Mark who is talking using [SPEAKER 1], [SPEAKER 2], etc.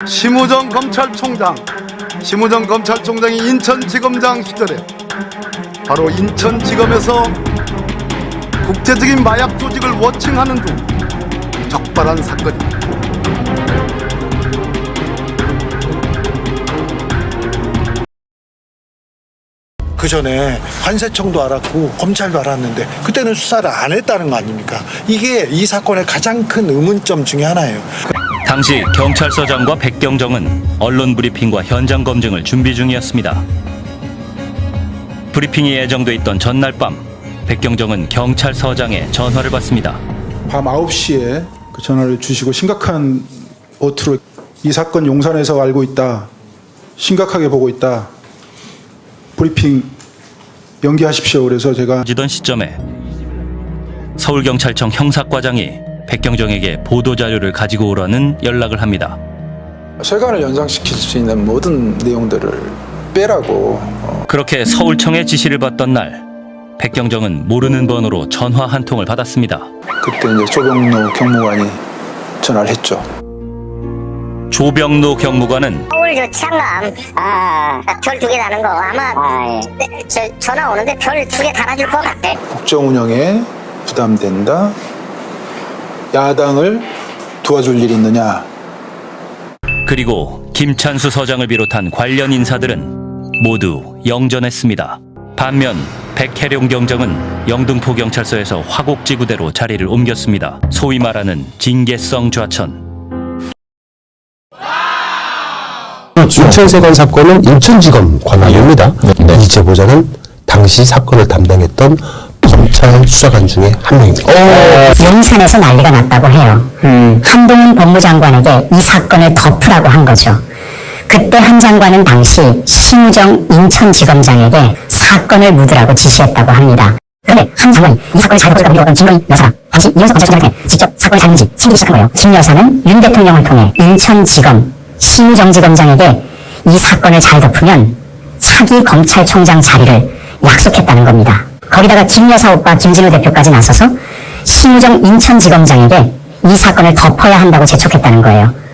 [SPEAKER 1] 심우정 검찰총장이 인천지검장 시절에 바로 인천지검에서 국제적인 마약 조직을 워칭하는 등 적발한 사건입니다.
[SPEAKER 2] 그 전에 관세청도 알았고 검찰도 알았는데 그때는 수사를 안 했다는 거 아닙니까? 이게 이 사건의 가장 큰 의문점 중에 하나예요.
[SPEAKER 3] 당시 경찰서장과 백경정은 언론 브리핑과 현장 검증을 준비 중이었습니다. 브리핑이 예정돼 있던 전날 밤, 백경정은 경찰서장의 전화를 받습니다.
[SPEAKER 4] 밤 9시에 그 전화를 주시고 심각한 어투로 이 사건 용산에서 알고 있다. 심각하게 보고 있다. 브리핑 연기하십시오. 그래서 제가
[SPEAKER 3] 지던 시점에 서울경찰청 형사과장이 백경정에게 보도자료를 가지고 오라는 연락을 합니다.
[SPEAKER 5] 세관을 연상시킬 수 있는 모든 내용들을 빼라고.
[SPEAKER 3] 그렇게 서울청의 지시를 받던 날, 백경정은 모르는 번호로 전화 한 통을 받았습니다.
[SPEAKER 5] 그때 이제 조병로 경무관이 전화를 했죠.
[SPEAKER 3] 조병로 경무관은
[SPEAKER 6] 서울 저 치안감 별 2개 다는 거 아마 전화 오는데 별 2개 달아줄 것 같아.
[SPEAKER 5] 국정 운영에 부담된다. 야당을 도와줄 일이 있느냐.
[SPEAKER 3] 그리고 김찬수 서장을 비롯한 관련 인사들은 모두 영전했습니다. 반면 백혜룡 경정은 영등포 경찰서에서 화곡지구대로 자리를 옮겼습니다. 소위 말하는 징계성 좌천.
[SPEAKER 7] 인천세관 사건은 인천지검 관할입니다. 이 제보자는 당시 사건을 담당했던 검찰 수사관 중에 한 명입니다.
[SPEAKER 8] 용산에서 난리가 났다고 해요. 한동훈 법무장관에게 이 사건을 덮으라고 한 거죠. 그때 한 장관은 당시 심우정 인천지검장에게 사건을 묻으라고 지시했다고 합니다. 그런데 한 장관이 이 사건을 잘 덮으라고 했던 김건희 여사가 당시 이현석 검찰총장한테 직접 사건이 잘못이 챙기기 시작한 거예요. 김 여사는 윤 대통령을 통해 인천지검 심우정지검장에게 이 사건을 잘 덮으면 차기 검찰총장 자리를 약속했다는 겁니다. 거기다가 김 여사 오빠 김진우 대표까지 나서서 심우정 인천지검장에게 이 사건을 덮어야 한다고 재촉했다는 거예요.